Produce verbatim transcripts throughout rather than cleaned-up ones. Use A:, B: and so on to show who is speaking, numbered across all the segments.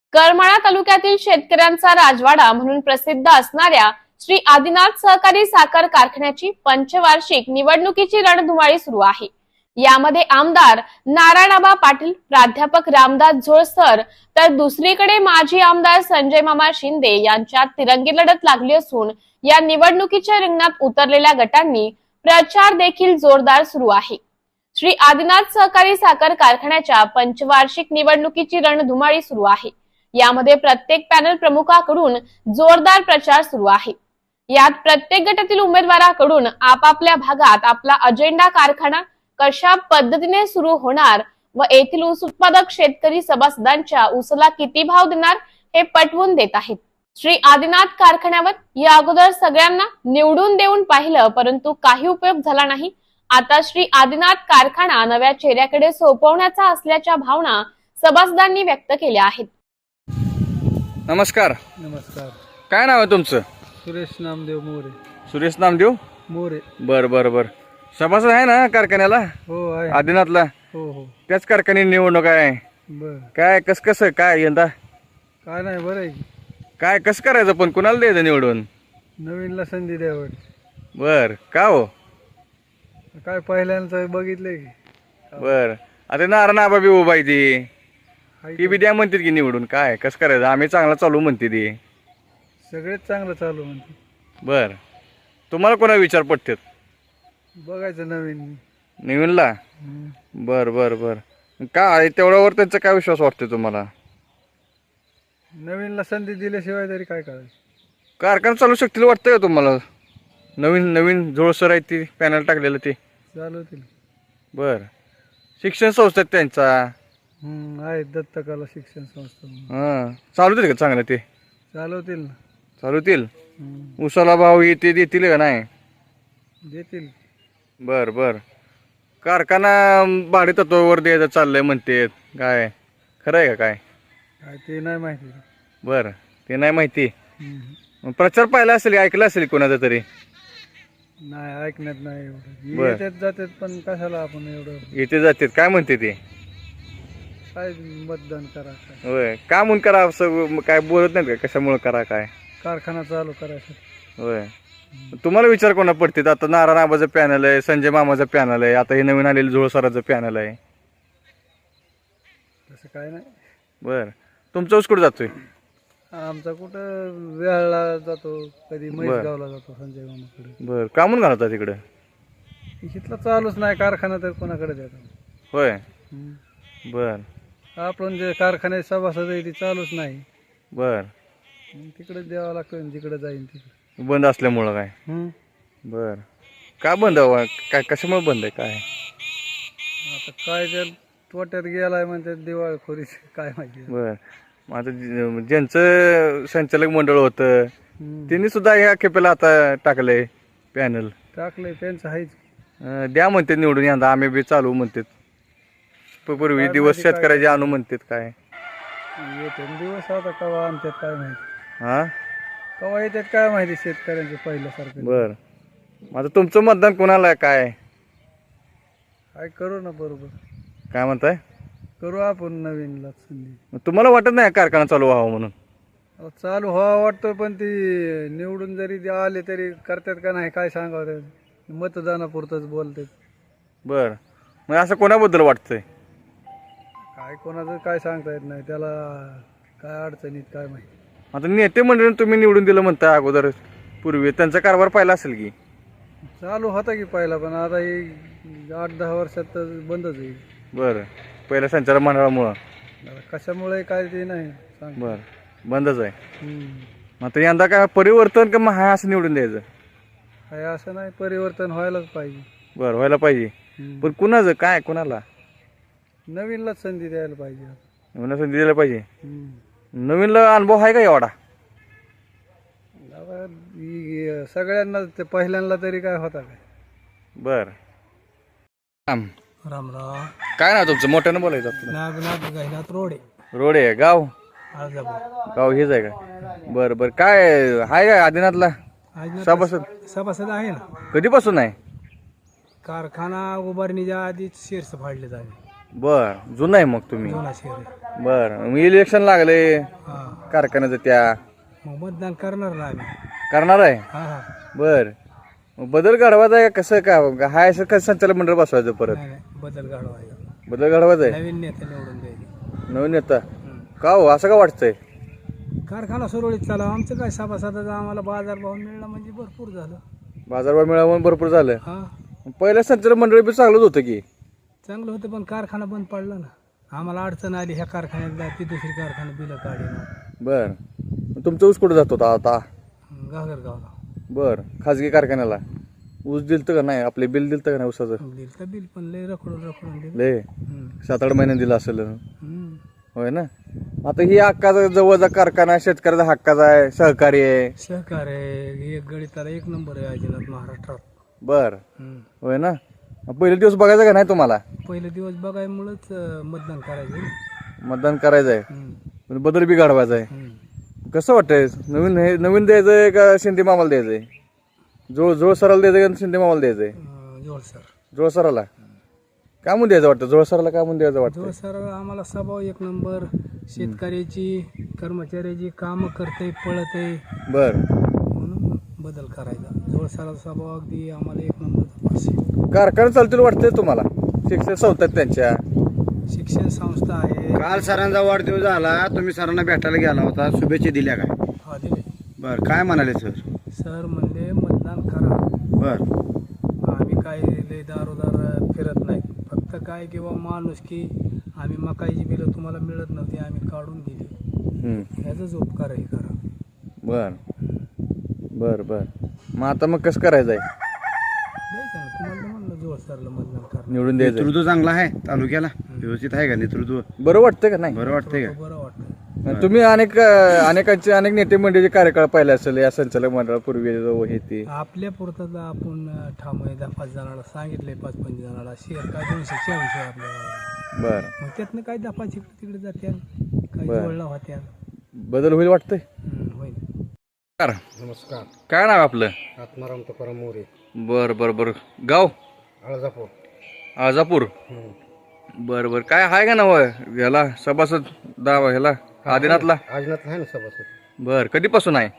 A: करमाळा तालुक्यातील शेतकऱ्यांचा राजवाडा म्हणून प्रसिद्ध असणाऱ्या श्री आदिनाथ सहकारी साखर कारखान्याची पंचवार्षिक निवडणुकीची रणधुमाळी सुरू आहे। यामध्ये आमदार नारायणआबा पाटील, प्राध्यापक रामदास झोळसर तर दुसरीकडे माजी आमदार संजय मामा शिंदे यांच्यात तिरंगी लढत लागली असून या निवडणुकीच्या रिंगणात उतरलेल्या गटांनी प्रचार देखील जोरदार सुरू आहे। श्री आदिनाथ सहकारी साखर कारखान्याच्या पंचवार्षिक निवडणुकीची रणधुमाळी सुरू आहे। यामध्ये प्रत्येक पॅनल प्रमुखाकडून जोरदार प्रचार सुरू आहे। यात प्रत्येक गटातील उमेदवाराकडून आपापल्या भागात आपला अजेंडा, कारखाना कशा पद्धतीने सुरू होणार व येथील ऊस उत्पादक शेतकरी सभासदांच्या ऊसाला किती भाव देणार हे पटवून देत आहेत। श्री आदिनाथ कारखान्यावर या अगोदर सगळ्यांना निवडून देऊन पाहिलं, परंतु काही उपयोग झाला नाही। आता श्री आदिनाथ कारखाना नव्या चेहऱ्याकडे सोपवण्याचा असल्याच्या भावना सभासदांनी व्यक्त केल्या आहेत।
B: नमस्कार।
C: नमस्कार।
B: काय नाव आहे तुमचं?
C: सुरेश नामदेव मोरे।
B: सुरेश नामदेव
C: मोरे।
B: बर बर बर सभासद आहे ना कारखान्याला?
C: हो आहे।
B: आदिनाथला?
C: हो हो।
B: त्याच कारखान्यात निवडणूक आहे।
C: बर
B: काय कस कसं काय यंदा
C: काय नाही, बरं आहे।
B: काय कसं करायचं, पण कुणाला द्यायचं निवडून?
C: नवीनला संधी द्यावं।
B: बर का हो?
C: काय पहिल्यांदा बघितलंय की?
B: बर आता नारायणआबा बी उभा आहे ती
C: हाय
B: ती बी द्या म्हणतात की निवडून। काय कसं करायचं? आम्ही चांगला चालू म्हणते ती।
C: सगळेच चांगलं चालू म्हणते।
B: बर तुम्हाला कोणा विचार पडतात?
C: बघायचं नवीन
B: नवीनला?
C: हम्म।
B: बर बर बर काय तेवढ्यावर त्यांचा काय विश्वास वाटतो तुम्हाला?
C: नवीनला संधी दिल्याशिवाय तरी काय करायचं?
B: कारखाना चालू शकतील वाटतंय का तुम्हाला? नवीन नवीन जोळसर आहे ती पॅनल टाकलेलं ते
C: चालवतील।
B: बर शिक्षण संस्था आहेत त्यांचा?
C: हम्म आहे, दत्तकला शिक्षण संस्था म्हणून।
B: हां चालवतील का चांगलं? ते
C: चालवतील ना।
B: चालवतील?
C: हम्म।
B: उसाला भाव येते देतील का नाही?
C: देतील।
B: बर बर कारखाना भाडे तत्वावर द्यायचं चाललंय म्हणते, काय खरं आहे का काय?
C: काय ते नाही माहिती।
B: बर ते नाही माहिती।
C: हम्म।
B: मग प्रचार पाहिला असेल, ऐकला असेल कोणाचा तरी?
C: नाही, ऐकण्यात नाही एवढं।
B: बर.
C: येतात जातात, पण कशाला आपण एवढं?
B: येते जाते काय म्हणते ते?
C: काय मतदान करा, काय
B: होय का म्हणून करा असं काय बोलत नाहीत का? कशामुळे करा काय?
C: कारखाना चालू करायचं।
B: होय तुम्हाला विचार कोणा पडते? आता नारायणआबाचं पॅनल आहे, संजय मामाचं पॅनल आहे, आता हे नवीन आलेलं झोळसराचं पॅनल आहे।
C: तसं काय नाही।
B: बर तुमचा ऊस कुठं जातोय?
C: आमचा कुठं वेळाला जातो, कधी म्हैसगावला जातो संजय मामाकडे।
B: बर का म्हणून घालता तिकडं?
C: इथला चालूच नाही कारखाना, तर कोणाकडे जातो?
B: होय
C: हम्म।
B: बर
C: आपण जे कारखान्यात सभासद आहे ती चालूच नाही,
B: बर
C: तिकडे द्यावं लागतं, जिकडे जाईन तिकडे।
B: बंद असल्यामुळं काय?
C: हम्म।
B: बर का बंद हवा काय? कशामुळे बंद आहे काय?
C: आता काय त्या तोट्यात गेलाय म्हणते, दिवाळखोरी, काय माहिती।
B: बर मग आता जे- ज्यांचं संचालक मंडळ होतं
C: हम्म।
B: त्यांनी सुद्धा ह्या खेपेला आता टाकलंय पॅनल।
C: टाकलंय त्यांचं आहेच।
B: अं, द्या म्हणते निवडून, यंदा आम्ही बी चालू म्हणतात। पूर्वी
C: काय
B: दिवस
C: माहिती काय
B: शेतकऱ्याचे आणू म्हणतात काय?
C: येते दिवस, आता कवा आणतात काय माहिती?
B: हा
C: कवा येतात काय माहिती शेतकऱ्यांचे पहिल्यासारखं।
B: बर आता तुमचं मतदान कोणाला आहे काय?
C: काय करू ना, बरोबर
B: काय म्हणताय?
C: करू आपण नवीनला संधी।
B: मग तुम्हाला वाटत नाही कारखाना चालू व्हावं म्हणून?
C: आता चालू व्हावा वाटतं, पण ती निवडून जरी ते आले तरी करतात का नाही काय सांगावं? मतदानापुरतच बोलतात।
B: बर मग असं कोणाबद्दल वाटतंय?
C: काय कोणाचं काय सांगता येत नाही, त्याला काय अडचणीत काय माहिती।
B: आता नेते मंडळीने तुम्ही निवडून दिलं म्हणताय अगोदर, पूर्वी त्यांचा कारभार पाहिला असेल की?
C: चालू होता की पहिला, पण आता ही आठ दहा वर्षात तर बंदच आहे।
B: बर पहिल्या संचालक मंडळामुळं?
C: आता कशामुळे काय ते नाही सांग।
B: बर बंदच आहे।
C: हम्म।
B: आता यंदा काय परिवर्तन का मग हाय असं निवडून द्यायचं?
C: काय असं नाही, परिवर्तन व्हायलाच पाहिजे।
B: बर व्हायला पाहिजे,
C: हम्म।
B: पण कुणाचं काय? कुणाला?
C: नवीनलाच संधी द्यायला पाहिजे।
B: नवीन असं दिलं पाहिजे।
C: हम्म।
B: नवीनला अनुभव आहे का एवढा?
C: आता ही सगळ्यांना ते पहिल्यांदा तरी काय होता काय?
B: बर
C: राम राम।
B: काय ना तुमचं? मोठ्यानं बोलायचं आपलं।
C: नागनाथ गहिनाथ रोडे,
B: रोड आहे गाव?
C: आळजापूर।
B: गाव हेच आहे का? बर बर काय आहे काय आदिनाथला सभासद?
C: सभासद आहे ना।
B: कधीपासून आहे?
C: कारखाना उभारणीच्या आधीच शेअर्स फाडले जावे।
B: बर जुनं आहे मग तुम्ही?
C: जुना शेअर आहे।
B: बर इलेक्शन लागले, कारखान्याचं त्या
C: मग मतदान करणार ना आम्ही.
B: करणार आहे.
C: हा हा
B: बर मग बदल घडवायचा आहे का कसं का हाय असं कसं संचालक मंडळ बसवायचं परत?
C: नाही नाही बदल घडवायचा.
B: बदल घडवायचा आहे.
C: नवीन नेते निवडून द्यायचे.
B: नवीन नेता का हो असं का वाटतंय?
C: कारखाना सुरळीत चालवा. आमचं काय सभासदाचा आम्हाला बाजारभाव मिळला म्हणजे भरपूर झालं.
B: बाजारभाव मिळावून भरपूर झालं.
C: हा
B: पहिल्या संचालक मंडळ बी चांगलंच होतं की.
C: चांगलं होतं पण कारखाना बंद पडला ना. आम्हाला अडचण आली ह्या कारखान्यात ती दुसरी कारखाना बिलं काढेना.
B: बर तुमचा ऊस कुठं जात होता आता?
C: घागरगावला
B: बर खाजगी कारखान्याला ऊस दिलतं का नाही? आपले बिल दिलतं का नाही ऊसाचं?
C: दिलं तर बिल पण लय रखडून रखडून दिलं.
B: लय
C: हम्म.
B: सात आठ महिन्यात दिलं असेल.
C: हम्म.
B: होय ना. आता ही हक्काचा जवळचा कारखाना शेतकऱ्याचा हक्काचा आहे, सहकारी आहे.
C: सहकार आहे एक गणिताला एक नंबर आहे अजिनाथ महाराष्ट्रात.
B: बर
C: हम्म.
B: होय ना. पहिले दिवस बघायचं का नाही तुम्हाला?
C: पहिले दिवस बघायमुळंच अं, मतदान करायचं.
B: मतदान करायचं आहे
C: हम्म.
B: पण बदल बी घडवायचा आहे.
C: हम्म.
B: कसं वाटतंय? नवीन हे नवीन द्यायचंय का शिंदे मामाला द्यायचंय? जोळ जोळ सराला द्यायचं का शिंदे मामाला द्यायचंय?
C: अं, जोड सर
B: जोळ सराला काय म्हणून द्यायचं वाटतं? जोळ सराला काय म्हणून द्यायचं वाटतं?
C: जोड सर आम्हाला स्वभाव एक नंबर. शेतकऱ्याची कर्मचाऱ्याची कामं करते पळते
B: बर
C: म्हणून बदल करायचा. जोड सराचा स्वभाव अगदी आम्हाला एक नंबर पास.
B: कारखाना चालतील वाटतंय तुम्हाला? शिक्षण संस्था आहेत त्यांच्या.
C: शिक्षण संस्था आहे.
D: काल सरांचा वाढदिवस झाला, तुम्ही सरांना भेटायला गेला होता, शुभेच्छा दिल्या काय?
C: हा दिले.
D: बर काय म्हणाले सर?
C: सर म्हणले मतदान करा.
D: बर
C: आम्ही काय लय दारोदार फिरत नाही. फक्त काय किंवा माणूस की आम्ही मकाईची बिलं तुम्हाला मिळत नव्हती आम्ही काढून दिली.
B: हम्म.
C: ह्याचाच उपकार आहे करा.
B: बर बर बर मग आता मग कसं करायचं आहे?
C: द्यायचं ना तुम्हाला म्हणलं जोड सरला मतदान करा.
B: निवडून द्यायचं.
D: नेतृत्व चांगलं आहे तालुक्याला, व्यवस्थित आहे का नेतृत्व?
B: बरं वाटतंय का नाही?
D: बरं वाटतंय का?
C: बरं वाटतं.
B: तुम्ही अनेक अनेकांचे अनेक नेते मंडळीचे कार्यकाळ पाहिले असेल या संचालक मंडळापूर्वी जो हे ते.
C: आपल्या पुरतं आपण ठाम आहे. दहा पाच जणाला सांगितले पाच पंच जणाला शेअर काय दोनशे चाळीस आहे आपल्याला.
B: बर
C: मग त्यातनं काय दहा पाच इकडे तिकडे जात्या काही
B: बरं.
C: जोडला होत्या.
B: बदल होईल वाटतंय?
C: हम्म, होईल.
B: कार
D: नमस्कार.
B: काय नाव आपलं?
D: आत्माराम तुकाराम मोरे,
B: बर बर बर गाव
D: अळजापूर.
B: आजापूर. बर बर काय आहे का नाव ह्याला सभासद दाव ह्याला आदिनाथला?
D: आजनाथ आहे ना सभासद.
B: बर कधीपासून आहे?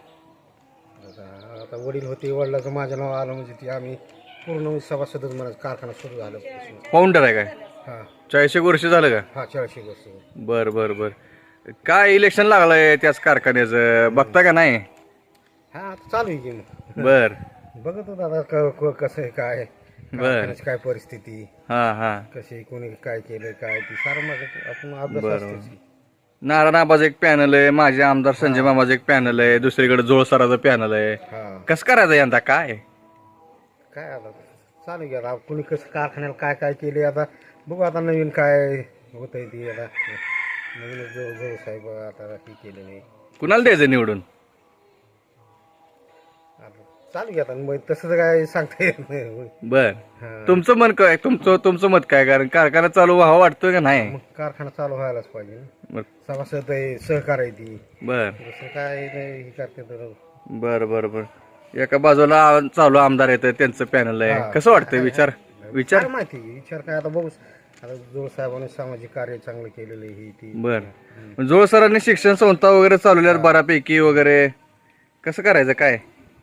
D: आता आता वडील होते, वडिलाचं माझं नाव आलं म्हणजे ती आम्ही पूर्ण सभासदच म्हणा. कारखाना सुरू झालं.
B: फाउंडर आहे काय?
D: हा
B: चाळीस एक वर्ष झालं का?
D: हा चाळीसशे वर्ष.
B: बर बर बर काय इलेक्शन लागलंय त्याच कारखान्याचं बघता का नाही?
D: हा आता चालू आहे की मग.
B: बर
D: बघत होता आता क- क- कसं आहे काय कारखान्याची काय परिस्थिती
B: हा हा
D: कशी कोणी काय केलं काय ती सारं माझं आपण अभ्यास
B: बरोबर.
D: असतेच.
B: नारायण आबाचं एक पॅनल आहे, माझे आमदार संजय मामाचं एक पॅनल आहे, दुसरीकडे जोळसराचं पॅनल आहे.
D: हा
B: कसं करायचं यंदा काय?
D: काय आता चालू आहे आता कोणी कसं कारखान्याला काय काय केले आता बघू. आता नवीन काय होत आहे ती आता नवीन जो जो साहेब आता हे केले नाही.
B: कुणाला द्यायचं निवडून?
D: आता चालू आहे आता मग तसं तर काय सांगता येत नाही.
B: बर
D: हा.
B: तुमचं मन काय? तुमचं तुमचं मत काय? कारण कारखाना चालू व्हावा वाटतोय का नाही?
D: मग कारखाना चालू व्हायलाच पाहिजे ना.
B: बर
D: सभासद आहे, सहकार आहे ती.
B: बर
D: दुसरं काय नाही हे करते तर.
B: बर बर बर एका बाजूला चालू आमदार येतं त्यांचं पॅनल आहे.
D: हा.
B: कसं वाटतंय? विचार विचार
D: काय माहिती विचार काय आता बघू. आता जोड साहेबांनी सामाजिक कार्य चांगलं केलेलं आहे ही ती.
B: बर जोळ सरांनी शिक्षण संस्था वगैरे चालवल्यात बऱ्यापैकी वगैरे. कसं करायचं काय?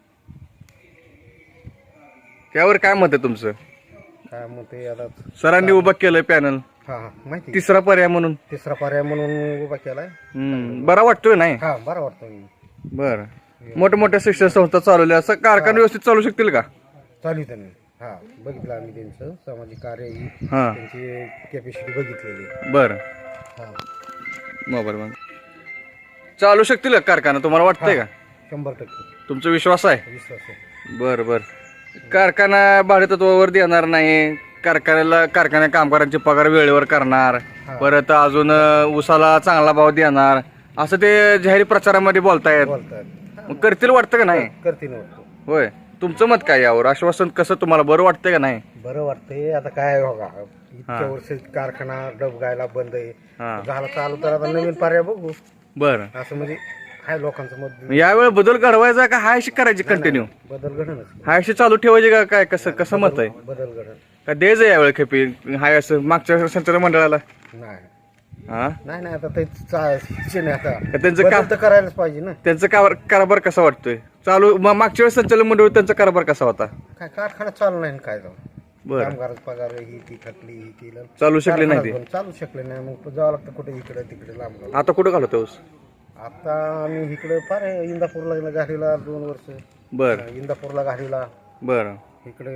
B: त्यावर काय मत आहे तुमचं?
D: काय मग ते आता
B: सरांनी उभं केलंय पॅनल
D: हा हा माहिती.
B: तिसरा पर्याय म्हणून.
D: तिसरा पर्याय म्हणून उभा केलाय.
B: हम्म बरा वाटतोय नाही?
D: हा बरं वाटतं.
B: बर मोठ्या मोठ्या शिक्षण संस्था चालवल्या असं कारखाना व्यवस्थित चालू शकतील का?
D: चालू त्यांनी. हा बघितलं आम्ही त्यांचं सामाजिक कार्य ही
B: हा
D: त्यांची कॅपॅसिटी बघितलेली.
B: बर
D: हा
B: मोबाईल मग चालू शकतील का कारखाना तुम्हाला वाटतंय का?
D: शंभर टक्के
B: तुमचा विश्वास आहे?
D: विश्वास आहे.
B: बर बर कारखाना भाडेतत्वावर देणार नाही, कारखान्याला कारखाना कामगारांचे पगार वेळेवर करणार,
D: हा.
B: परत अजून अं, ऊसाला चांगला भाव देणार असं ते जाहीर प्रचारामध्ये बोलतायत.
D: बोलतात
B: मग करतील वाटतं का नाही?
D: करते नव्हतं.
B: होय तुमचं मत काय यावर? आश्वासन कसं तुम्हाला बरं वाटतंय का नाही?
D: बरं वाटतंय. आता काय बघा
B: हा.
D: इतक्या वर्ष कारखाना डबगायला बंद आहे.
B: हा
D: झाला चालू तर आता नवीन पर्याय बघू
B: बर
D: असं म्हणजे हाय लोकांचं मत.
B: यावेळी बदल घडवायचा का हाय अशी करायची कंटिन्यू?
D: बदल घडणच.
B: हाय अशी चालू ठेवायची का काय? कसं कसं मत आहे?
D: बदल घडण
B: का द्यायचं यावेळी खेपी हाय असं मागच्या संचालक मंडळाला?
D: नाही
B: हा
D: नाही नाही आता ते चा- शिक्षण आहे आता
B: का त्यांचं का
D: बदल तर करायलाच पाहिजे ना.
B: त्यांचं कार कारभार कसा वाटतोय चालू मग मागच्या वेळेस संचालक मंडळ त्यांचा कारभार कसा होता?
D: काय कारखाना चालू नाही ना काय जाऊ
B: बरं
D: कामगाराचा पगार ही ती थकली ही केलं
B: चालू शकले नाही ते.
D: कारखानाच बंद. चालू शकले नाही मग जावं लागतं कुठे इकडे तिकडे लांब लांब.
B: आता कुठं घालवतो ऊस?
D: आता आम्ही इकडे फार इंदापूरला घालीला दोन वर्ष
B: बर
D: इंदापूरला घालीला
B: बर
D: इकडे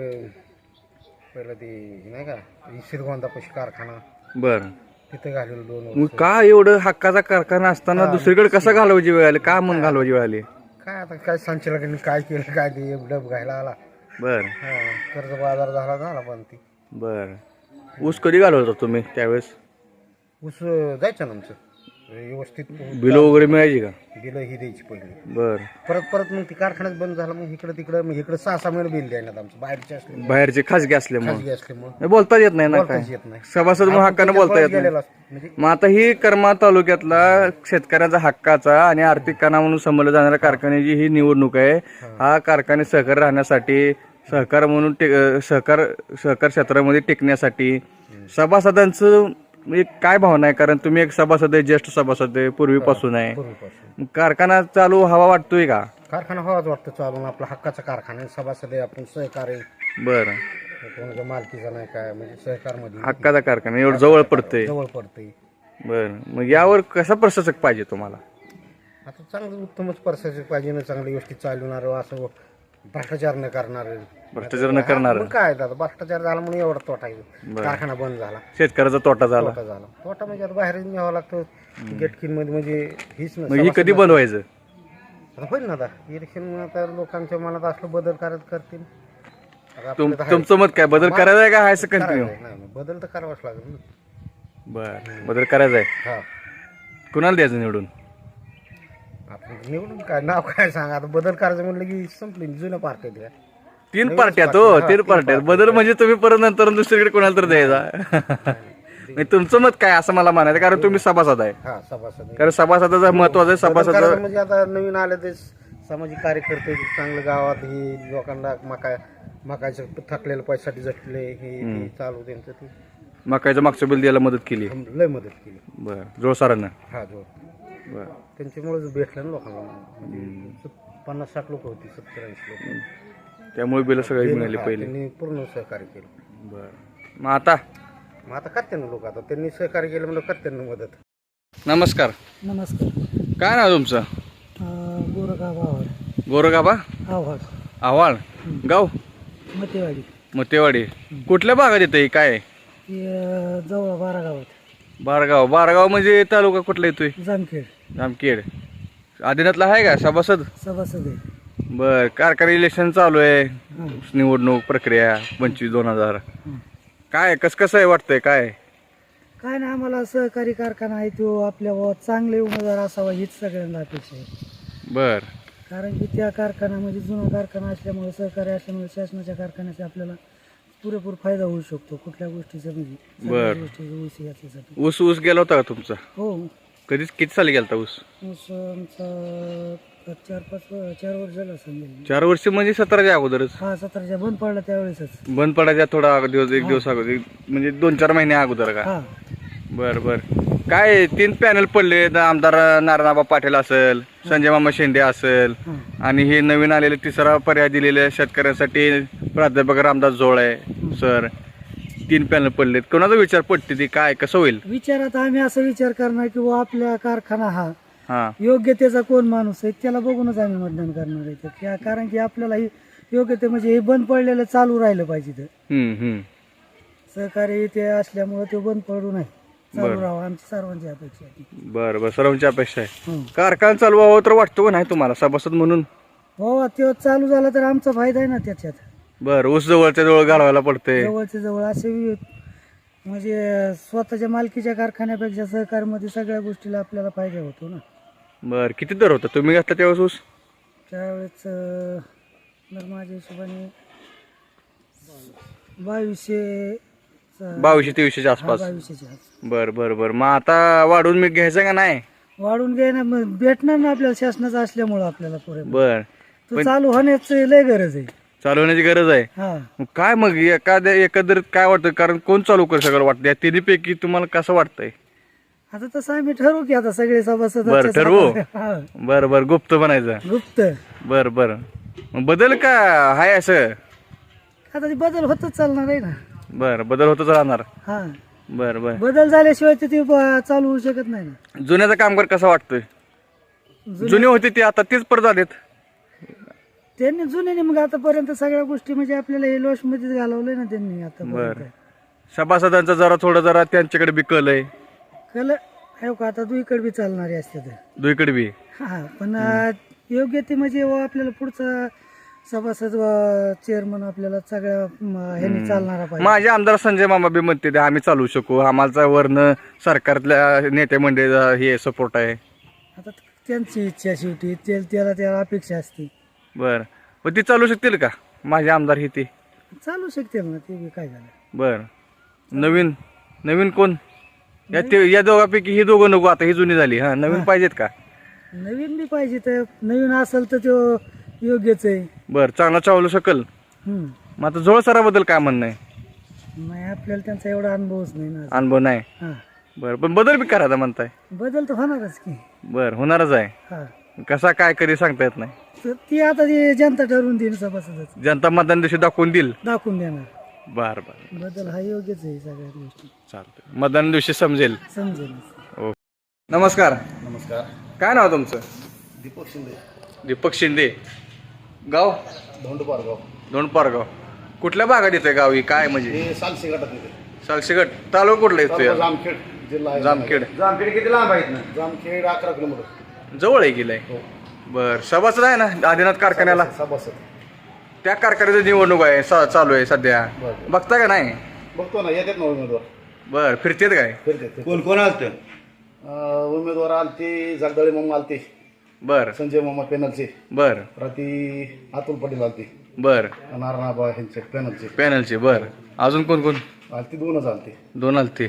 D: पहिलं ते नाही का श्रीगोंदापाशी कारखाना
B: बर
D: तिथे घालेलं दोन
B: मग
D: वर्ष.
B: का एवढं हक्काचा कारखाना असताना दुसरीकडे कसा घालवायची वेळ आली? का मग घालवायची वेळ आली?
D: काय आता काय संचालकांनी काय केलं काय ते डब घ्यायला आला
B: बर
D: हा कर्ज बाजार झाला झाला पण ती
B: बर ऊस कधी घालवत होता तुम्ही त्यावेळेस?
D: ऊस जायचं ना आमचं व्यवस्थित
B: बिलं वगैरे मिळायची का?
D: बिलं ही द्यायची पहिली
B: बर
D: परत परत मग ती कारखान्यात बंद झाला मग इकडे तिकडे मग इकडे सहा सहा महिने बिल द्यायला आमचं बाहेरचे असले
B: बाहेरचे खासगी असल्यामुळे
D: खाजगी असल्यामुळे
B: नाही, बोलताच येत नाही ना काय
D: बोलताच येत नाही.
B: सभासद म्हणून हक्कानं बोलता येत नाही.
D: गेलेला असतो. म्हणजे
B: मग आता ही करमाळ तालुक्यातला शेतकऱ्याचा हक्काचा आणि आर्थिक कणा म्हणून समजलं जाणाऱ्या कारखान्याची ही निवडणूक आहे. हा कारखाने सहकारी राहण्यासाठी सहकार म्हणून टे- अं, सहकार सहकार क्षेत्रामध्ये टिकण्यासाठी सभासदांचं म्हणजे काय भावना आहे? कारण तुम्ही एक सभासद आहे, ज्येष्ठ सभासद आहे, पूर्वीपासून आहे.
D: पूर्वीपासून
B: मग कारखाना चालू हवा वाटतोय का?
D: कारखाना हवाच वाटतं चालून आपला हक्काचा कारखाना आहे, सभासद आहे आपण सहकारी
B: बरं
D: कोणाच्या मालकीचा नाही काय म्हणजे सहकारमध्ये
B: हक्काचा कारखाना एवढं जवळ पडतंय.
D: जवळ पडते.
B: बरं मग यावर कसा प्रशासक पाहिजे तुम्हाला?
D: आता चांगलं उत्तमच प्रशासक पाहिजे ना चांगली गोष्टी चालवणार असं भ्रष्टाचार न करणार
B: भ्रष्टाचार न करणार.
D: मग काय आता भ्रष्टाचार झाला म्हणून एवढा तोटा आहे. कारखाना बंद झाला
B: शेतकऱ्याचा तोटा झाला.
D: तोटा झाला तोटा म्हणजे आता बाहेर न्यावं लागतं गेटकिन मध्ये म्हणजे हीच
B: मग ही कधी बंद व्हायचं?
D: आता होईल ना आता इलेक्शन आता लोकांच्या मनात असलं बदल करत करतील आता
B: तुम
D: आपलं तर
B: तुमचं मत काय? बदल करायचा आहे का हायचं
D: हाय-
B: कंटिन्यू?
D: करायचं आहे. नाही, नाही, बदल तर करावाच लागेल ना.
B: बर बदल करायचा आहे.
D: हा
B: कुणाला द्यायचं निवडून?
D: आपण निवडून काय नाव काय सांगा आता बदल करायचं म्हणलं की संपली जुन्या पार्ट्या द्या
B: तीन पार्ट्या तो तीन पार्ट्या बदल म्हणजे तुम्ही परत नंतर दुसरीकडे कोणाला तर द्यायचा. नाही, तुमचं मत काय असं मला म्हणायचं कारण तुम्ही सभासद आहे.
D: हा सभासद
B: कारण सभासदाचं महत्वाचं आहे.
D: बदल
B: सभासद
D: करायचं म्हणजे आता नवीन आले ते सामाजिक कार्यकर्ते चांगलं गावात ही लोकांना मका मकायचं थकलेलं पैशासाठी झटले हे ते चालू त्यांचं ते
B: मकाईचं मागचं बिल द्यायला मदत केली.
D: लय मदत केली.
B: बर जोरसारानं.
D: हा जो
B: बर
D: त्यांच्यामुळेच भेटलं ना लोकांना म्हणजे पन्नास साठ लोक होती सत्तर ऐंशी लोक
B: त्यामुळे बिल सगळी मिळाली
D: हा,
B: पहिले.
D: त्यांनी पूर्ण सहकार्य केलं.
B: बर मग आता
D: मग आता करते ना लोक आता त्यांनी सहकार्य केलं म्हणजे करते ना मदत.
B: नमस्कार.
C: नमस्कार.
B: काय नाव तुमचं?
C: गोरगाव आव्हाड.
B: गोरगाबा
C: आव्हाड
B: आव्हाळ गाव
C: मतेवाडी
B: मतेवाडी. कुठल्या भागात येतं काय?
C: जवळ बारा गावात
B: बारगाव. बारगाव म्हणजे तालुका कुठला येतोय?
C: जामखेड
B: जामखेड. आदिनाथला आहे का सभासद?
C: सभासद आहे.
B: बर कारखाना इलेक्शन चालू आहे. निवडणूक प्रक्रिया पंचवीस दोन हजार काय कस कसं आहे वाटतंय काय?
C: काय ना आम्हाला सहकारी कारखाना आहे तो आपल्या गावात चांगले उमेदवार असावा हीच सगळ्यांना अपेक्षा आहे.
B: बर
C: कारण की त्या कारखान्यामध्ये जुना कारखाना असल्यामुळे सहकारी असल्यामुळे शासनाच्या कारखान्याचा आपल्याला पुरेपूर फायदा होऊ शकतो कुठल्या गोष्टीचा म्हणजे सगळ्या
B: बर.
C: गोष्टीचा ऊस याच्यासाठी.
B: ऊस ऊस गेला होता का तुमचा?
C: हो
B: कधीच किती साली गेलता ऊस?
C: ऊस आमचा चार पाच चार वर्ष झालं समजेल.
B: चार वर्ष म्हणजे सतराच्या अगोदरच.
C: हा सतराच्या बंद पडला त्यावेळेसच.
B: बंद पडायच्या थोडा अगो- दिवस एक दिवस अगोदर म्हणजे दोन चार महिने अगोदर का?
C: हा
B: बर बर काय तीन पॅनल पडले आमदार नारायणबा पाटील असेल, संजय मामा शेंडे असेल
C: हा.
B: आणि हे नवीन आलेले तिसरा पर्याय दिलेले शेतकऱ्यांसाठी प्राध्यापक रामदास जोळे सर. तीन पॅनल पडलेत. कोणाचा विचार पडते ती काय कसं होईल?
C: विचारात आम्ही असा विचार करणार की बुवा आपला कारखाना हा
B: हा
C: योग्यतेचा कोण माणूस आहे त्याला बघूनच आम्ही मतदान करणार आहे. त्या- कारण की आपल्याला ही योग्यते म्हणजे हे बंद पडलेलं चालू राहिलं पाहिजे. तर
B: हम्म हम्म
C: सहकारी ते असल्यामुळे ते बंद पडू नये चालू राहावं आमची सर्वांची अपेक्षा आहे.
B: बर बर सर्वांची अपेक्षा आहे.
C: हो
B: कारखाना चालू व्हावं तर वाटतो का नाही तुम्हाला सभासद म्हणून?
C: हो ते चालू झाला तर आमचा फायदा आहे ना त्याच्यात.
B: बर ऊस जवळच्या जवळ घालवायला पडते.
C: जवळच्या जवळ असे वि- म्हणजे स्वतःच्या मालकीच्या कारखान्यापेक्षा सहकार्यामध्ये सगळ्या गोष्टीला आपल्याला फायदा होतो ना.
B: बर किती दर होता तुम्ही घेतला त्यावेळेस ऊस?
C: त्यावेळेस अं, तर माझ्या हिशोबाने बावीसशे
B: बावीसशे तेवीसशेच्या आसपास.
C: बावीसशेच्या आसपास.
B: बर बर बर मग आता वाढून मी घ्यायचं का नाही?
C: वाढून घे ना मग भेटणार ना आपल्याला शासनाचं असल्यामुळं आपल्याला पुरे
B: बर
C: तो चालू होण्याची लय गरज आहे.
B: चालू होण्याची गरज आहे.
C: हा
B: मग काय मग एखाद्या एकंदरीत काय वाटतं? कारण कोण चालू करू सगळं वाटतं या तिन्हीपैकी तुम्हाला कसं वाटतंय?
E: आता तसं आम्ही ठरवू की आता सगळे सभासद
B: बरं ठरवू
E: हा,
B: बर बर गुप्त बनायचं
E: गुप्त
B: बर बर मग बदल का हाय असं
E: आता ते बदल होतच चालणार आहे ना.
B: बर बदल होतच राहणार
E: हा
B: बर बर
E: बदल झाल्याशिवाय ते ते ब- चालू होऊ शकत नाही ना.
B: जुन्याचा कामगार कसा वाटतोय जुने होते ते आता तेच परत आलेत
E: त्यांनी जुन्याने मग आतापर्यंत सगळ्या गोष्टी म्हणजे आपल्याला हे लॉस मध्येच घालवलंय ना त्यांनी
B: बर
E: आता.
B: सभासदांचा जरा थोडं जरा त्यांच्याकडे बी कल आहे
E: कल आहे का आता दुईकडे बी चालणारे असते तर.
B: दुईकडे बी
E: हा पण योग्य ते म्हणजे व आपल्याला पुढचा सभासद चेअरमन आपल्याला सगळ्या म, ह्यांनी चालणारा पाहिजे.
B: माझे आमदार संजय मामा बी म्हणते ते आम्ही चालू शकू आम्हाला वरनं सरकारतल्या नेते मंडळीचा हे सपोर्ट आहे
E: आता त्यांची इच्छा शेवटी ते त्याला त्याला अपेक्षा असते.
B: बर पण ती चालू शकतील का माझे आमदार हे ते
E: चालू शकते ना ते बी काय झालं.
B: बर नवीन नवीन कोण या ते या दोघांपैकी ही दोघं नको आता ही जुनी झाली हा नवीन पाहिजेत का
E: नवीन बी पाहिजे तर नवीन असेल तर तो योग्यच आहे.
B: बर चांगला चालू शकल
E: हम्म.
B: मग आता जोळ सराबद्दल काय म्हणणं आहे
E: नाही आपल्याला त्यांचा एवढा अनुभवच नाही ना.
B: अनुभव नाही
E: हा
B: बर पण बदल बी करायचा म्हणताय
E: बदल तर होणारच की.
B: बर होणारच आहे
E: हा
B: कसा काय कधी सांगता येत नाही
E: तर ती आता ती जनता ठरवून देईल सभासदच
B: जनता मतदान दिवशी दाखवून देईल
E: दाखवून देणार.
B: बर बर
E: बदल हा योग्यच आहे सगळ्या गोष्टी
B: चालतंय मतदान दिवशी समजेल
E: समजेल.
B: नमस्कार
D: नमस्कार.
B: काय नाव तुमचं
D: दीपक शिंदे,
B: दीपक शिंदे गाव
D: धोंडपारगाव.
B: दोंडपारगाव कुठल्या भागात येतोय गाव ही काय म्हणजे
D: हे सालसी गटात येते.
B: साक्षीगड तालुका कुठला येतोय
D: जामखेड जिल्हा आहे.
B: जामखेड
D: जामखेड किती लांब आहेत ना? जामखेड अकरा किलोमीटर.
B: जवळ आहे गेलाय बर सभासद आहे ना आदिनाथ कारखान्याला
D: सभासद
B: त्या कारखान्याची निवडणूक आहे सा- चालू आहे सध्या
D: बरं.
B: बघता का नाही
D: बघतो ना येतात ना उमेदवार.
B: बर फिरतेत काय
D: फिरतात.
F: कोण कोण आलत
D: अं, उमेदवार आलते जगदाळे मामा आलते,
B: बर
D: संजय मामा पॅनलचे,
B: बर
D: प्रति अतुल पाटील आलते,
B: बर
D: नारायणाबा यांचे पॅनलचे
B: पॅनलचे बर अजून कोण कोण
D: आलते. दोनच आलते.
B: दोन आलते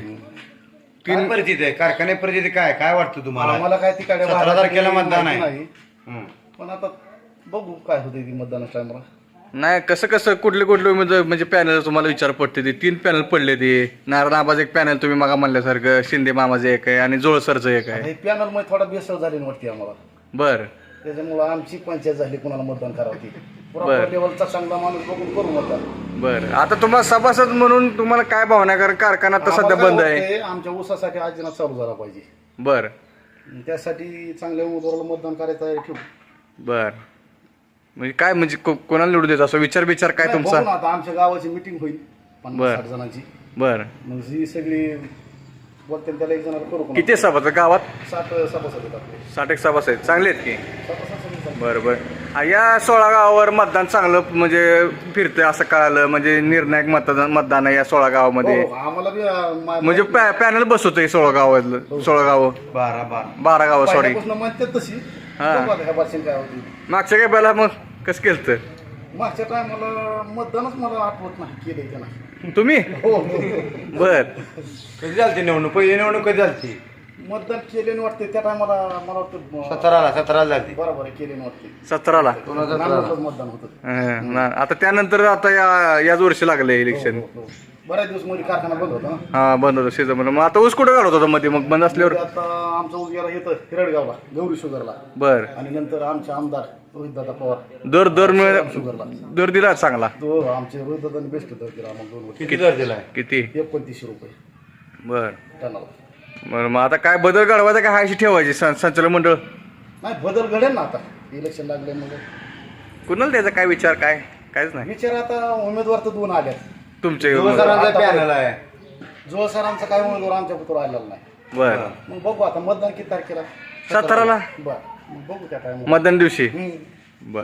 F: काय परिस्थिती आहे कारखान्या परिस्थिती काय काय वाटतं तुम्हाला
D: आम्हाला काय तिकडे
F: सतरा तारखेला मतदान आहे.
D: नाही
F: हं.
D: पण आता बघू काय होते ती मतदानाच्या टायमाला.
B: नाही कसं कसं कुठले कुठले उमेदवार म्हणजे पॅनल तुम्हाला विचार पडते ते तीन पॅनल पडले ते नारायण आबाज एक पॅनल तुम्ही मागा म्हणल्यासारखं शिंदे मामाचं एक आहे आणि जोळसरचं एक आहे
D: हे पॅनल मध्ये थोडा बेसळ झाली वाटते आम्हाला.
B: बर
D: त्याच्यामुळं आमची पंचायत झाली कुणाला मतदान करावं
B: बरं.
D: पुरा लेवलचा चांगला माणूस बघून करू मतदान.
B: बर आता तुम्हाला सभासद म्हणून तुम्हाला काय भावना आहे? कारण कारखाना तर सध्या
D: आम्हाला
B: बंद
D: काय
B: आहे
D: वाटतंय, आमच्या ऊसासाठी आजीनाथ चालू झाला पाहिजे.
B: बर
D: त्यासाठी चांगल्या उमेदवाराला मतदान करायचं आहे ठेवू.
B: बर म्हणजे काय म्हणजे को- कोणाला निवडू द्यायचं असं विचार विचार काय
D: नाही,
B: तुमचा
D: बघू ना आता आमच्या गावाची मिटिंग होईल
B: बरं.
D: पन्नास साठ जणांची.
B: बर
D: मग जी सगळी बोलते त्याला एक जणाला करू कोणाला.
B: किती सभासद गावात
D: साठ सभासद आहेत आपले.
B: साठ एक सभासद आहेत चांगले आहेत की
D: सभासद सगळे चांगले.
B: बर बर आ, या सोळा गावावर मतदान चांगलं म्हणजे फिरतंय असं कळालं म्हणजे निर्णायक मतदान मतदान आहे या सोळा गावामध्ये
D: हो, आम्हाला बी अं, मा-
B: म्हणजे पॅनल बसवतोय सोळा गावातलं सोळा गाव
F: बारा बारा
B: बारा गाव सॉरी
D: पहिल्यापासून म्हणतात तशी.
B: हा.
D: बघू आता ह्या वर्षी काय होती.
B: मागच्या काय पहिला मग कसं केलं तर
D: मागच्या टायमाला मतदानच मला आठवत नाही केले का नाही.
B: तुम्ही
D: हो
B: बर
F: कधी झालती निवडणूक पहिली निवडणूक कधी झालती
D: मतदान केले वाटते त्या टायमाला मला वाटतं अं,
F: सतराला सतराला झालती
D: बरोबर आहे केले वाटते.
B: सतराला
D: नांदेडलाच मतदान होतं.
B: हं, ना- आता त्यानंतर आता या याच वर्षी लागले इलेक्शन
D: हो, हो. बऱ्याच दिवस मध्ये कारखाना बंद होता ना.
B: हा बंद होतं सीझन मग आता ऊस कुठं घालत होता मध्ये मग बंद असल्यावर
D: आता आमचं ऊस गेला येतं हिरडगावला गौरी शुगरला
B: बर
D: आणि नंतर आमचे आमदार रोहितदादा पवार
B: दर दर मिळ
D: शुगरला
B: दर दिला चांगला
D: तो आमचे रोहितदादांनी बेस्ट दर दिला मग दोन वर्ष
F: किती दर दिलाय
B: किती
D: एकोणतीसशे रुपये
B: बर
D: टनाला.
B: बर मग आता काय बदल घडवायचा काय हायशी ठेवायची सं- संचालक मंडळ
D: नाही बदल घडेल ना आता इलेक्शन लागले मग
B: कुणाला द्यायचा काय विचार काय कायच नाही
D: विचार आता उमेदवार तर दोन आल्यात.
B: तुमचे
F: सरांचा पॅनल आहे
D: जोळ सरांचा काय उमेदवार आमच्या पुत्र आलेला नाही.
B: बर
D: मग बघू आता मतदान किती तारखेला
B: सतराला
D: बर मग बघू त्या टायमा.
B: मतदान दिवशी
D: हम्म.